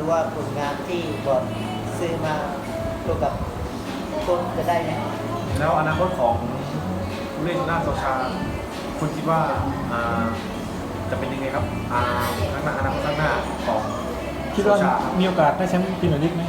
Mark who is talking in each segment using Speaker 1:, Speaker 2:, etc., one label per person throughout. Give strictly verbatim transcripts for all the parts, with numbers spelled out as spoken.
Speaker 1: ว่าผลงานที่บอร์ดซื้อมาตัวกับคนจะได้ไหม
Speaker 2: แล้วอนาคตของผู้เล่นหน้าโซชาคุณคิดว่าอ่าจะเป็นยังไงครับอ่าข้างหน้าอนาคตข้างหน้าของ
Speaker 3: คิดว่า
Speaker 2: โซชาครับ
Speaker 3: มีโอกาสได้แชมป์พรีเมียร์ลีกไหม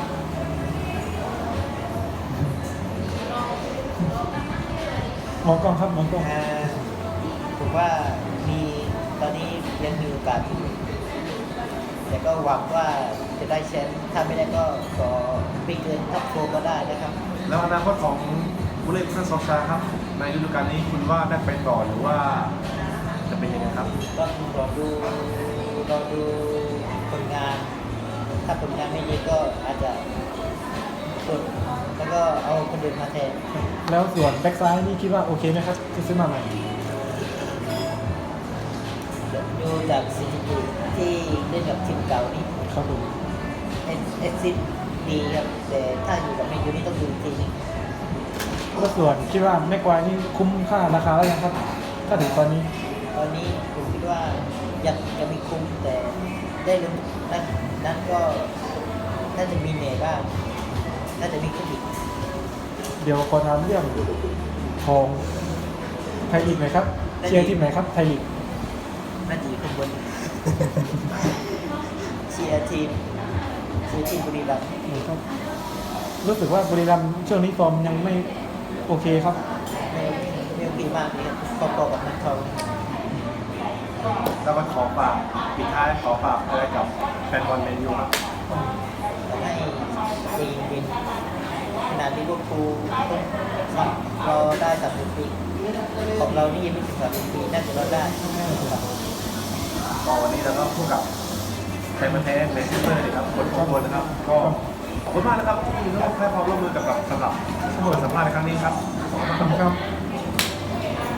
Speaker 3: มองกล้องครับมองกล้อง
Speaker 1: อ่าผมว่ามีตอนนี้ยังมีโอกาสอยู่แต่ก็หวังว่าจะได้แชมป์ถ้าไม่ได้ก็ขอไม่เกินท็อปโฟร์ก็ได้นะครับ
Speaker 2: แล้วอนาคตของผู้เล่นหน้าโซชาครับในฤดูกาลนี้คุณว่าได้ไปต่อหรือว่าจะเป็นยังไงครับ
Speaker 1: ก็รอดูรอดูผลงาน ถ้าผลงานไม่ดีก็อาจจะกดแล้วก็เอาคนอื่นมาแทน
Speaker 3: แล้วส่วนแบ็กซ้ายนี่คิดว่าโอเคไหมครับที่ซื้อมาใหม่
Speaker 1: ดูจากสถิติที่เล่นกับทีมเก่านี่
Speaker 3: ครับผม
Speaker 1: เอสซิสดีครับแต่ถ้าอยู่กับแมนยูนี่ต้องดูอีกทีนึง
Speaker 3: แล้วส่วนคิดว่าแม็กควายนี่คุ้มค่าราคาแล้วยังครับ ถ้าถึงตอนนี้
Speaker 1: ตอนนี้ผมคิดว่ายังยังไม่คุ้มแต่ได้ลุ้นนั้นนั้นก็น่าจะมีเหนื่อยบ้างน่าจะมีขึ้นอีก
Speaker 3: เดี๋ยวขอถามเรื่องของไทยลีกหน่อยครับเชียร์ทีมไหนครับไทยลีก
Speaker 1: น่าจะอยู่ข้างบน เชียร์ทีมเชียร์ทีมบุรีรัมย์
Speaker 3: ครับรู้สึกว่าบุรีรัมย์ช่วงนี้ฟอร์มยังไม่โอเคครับ
Speaker 1: ไม่ไม่โอเคมากเลยครับพอๆกับนักทอง
Speaker 2: แล้วก็ขอฝากปิดท้ายขอฝากอะไรกับแฟนบอลแมนยูครับ
Speaker 1: ทำให้เองเป็นขนาดที่พวกครูต้องรอได้สามสิบปีของเรานี่ยังไม่ถึงสามสิบปีน่าจะรอได้ครับ
Speaker 2: ก็วันนี้เราก็พูดกับแฟนพันธุ์แท้ในซิสเตอร์นะครับคนทุกคนนะครับ ก็ขอบคุณมากนะครับที่ให้ความร่วมมือกับสำหรับเปิดสัมภาษณ์ในครั้งนี้ครับขอบคุณมากครับ
Speaker 3: ครับ